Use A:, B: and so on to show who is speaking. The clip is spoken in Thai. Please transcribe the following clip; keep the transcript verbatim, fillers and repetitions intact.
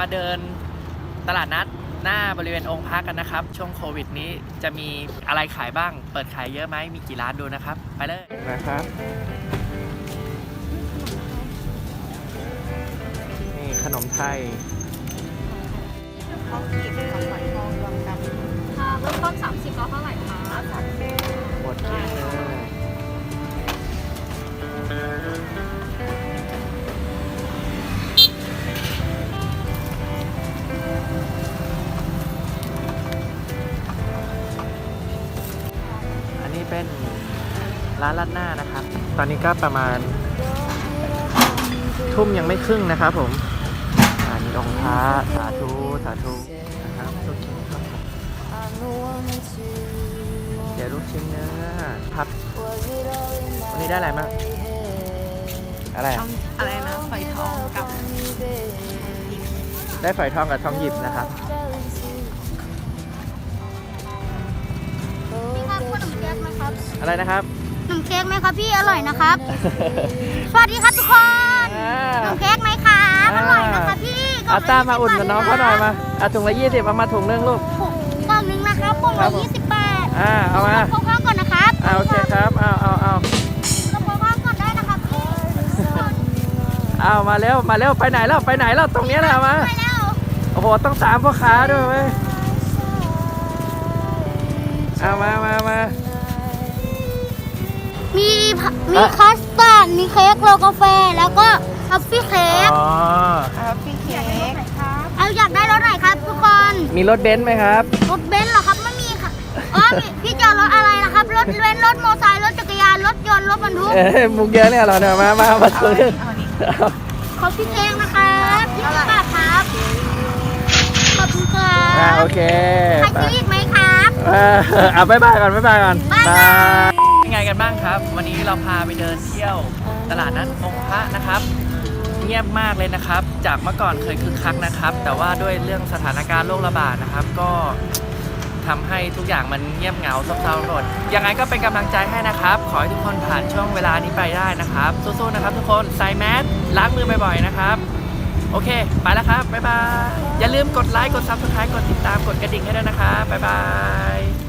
A: เดินตลาดนัดหน้าบริเวณองค์พระกันนะครับช่วงโควิดนี้จะมีอะไรขายบ้างเปิดขายเยอะไหมมีกี่ร้านดูนะครับไปเลยนะครับนี่ขนมไทย
B: ทองกีบกับฝอยทองรวมกันค่ะเริ่มต้นสามสิบแล้วเท่าไหร่คะสามสิบ
A: หมดเกลี้ยงเลยอันนี้เป็นร้านราดหน้านะครับตอนนี้ก็ประมาณทุ่มยังไม่ครึ่งนะครับผมอันนี้องค์พระสาธุสาธุนะครับลูกชิ้นครับเดี๋ยวลูกชิ้นเนื้อครับวันนี้ได้อะไรบ้างอะไร
B: อะไรนะฝอยทองกับ
A: ได้ฝอยทองกับทองหยิบนะครับ
B: พี่ครับขนมเค้กไหมครับ
A: อะไรนะครับ
B: ขนมเค้กไหมครับพี่อร่อยนะครับ สวัสดีครับทุกคนขนมเค้กไหมครับอร่อยนะคะพี่
A: เอาตามาอุ่นกับน้องเขาหน่อยมาเอาถุงละยี่สิบเอามาถุงนึงลูก
B: กล่องนึงนะครับกล่องละยี่สิบบาท
A: อ่าเอามา
B: พกข้าวก่อนนะครับ
A: อ่าโอเคครับเอาเอาเอา
B: เราพกข้าวก่อนได้นะครับพี่
A: เอามาเร็วมาเร็วไปไหนแล้วไปไหนแล้วตรงนี้แหละมาโอ้โหต้องตามพ่อค้าด้วยไหมเอามามามา
B: มีมีคัสตาร์ดมีเค้กโรลกาแฟแล้วก็ทัฟฟี่เค้ก
A: อ๋อ
B: ทัฟฟี่เค้กเอาอยากได้รถไหนครับทุกคน
A: มีรถเบนซ์ไหมครับ
B: รถเบนซ์เหรอครับไม่มีค่ะอ๋อพี่จะรถอะไรนะครับรถเบนซ์รถมอเตอร์ไซค์รถจักรยานรถยนต์รถบรรทุก
A: เอ้มุกเยอะเนี่ยเหรอเนี่ยมามามาตัวนึง
B: ขอบพี่เค้กนะครับยี่สิบบาทครับขอบคุณครับ
A: อ่าโอเค
B: ใครซื้ออีกไหมครับ
A: เอาบ๊ายบายก่อนบ๊ายบายก่อน
B: บ๊ายบาย
A: ยังไงกันบ้างครับวันนี้เราพาไปเดินเที่ยวตลาดนัดองค์พระนะครับเงียบมากเลยนะครับจากเมื่อก่อนเคยคึกคักนะครับแต่ว่าด้วยเรื่องสถานการณ์โรคระบาดนะครับก็ทำให้ทุกอย่างมันเงียบเหงาซบเซาหมดยังไงก็เป็นกำลังใจให้นะครับขอให้ทุกคนผ่านช่วงเวลานี้ไปได้นะครับสู้ๆนะครับทุกคนใส่แมสล้างมือบ่อยๆนะครับโอเคไปแล้วครับบ๊ายบายอย่าลืมกดไลค์กดซับสไครต์กดติดตามกดกระดิ่งให้ด้วยนะครับบ๊ายบาย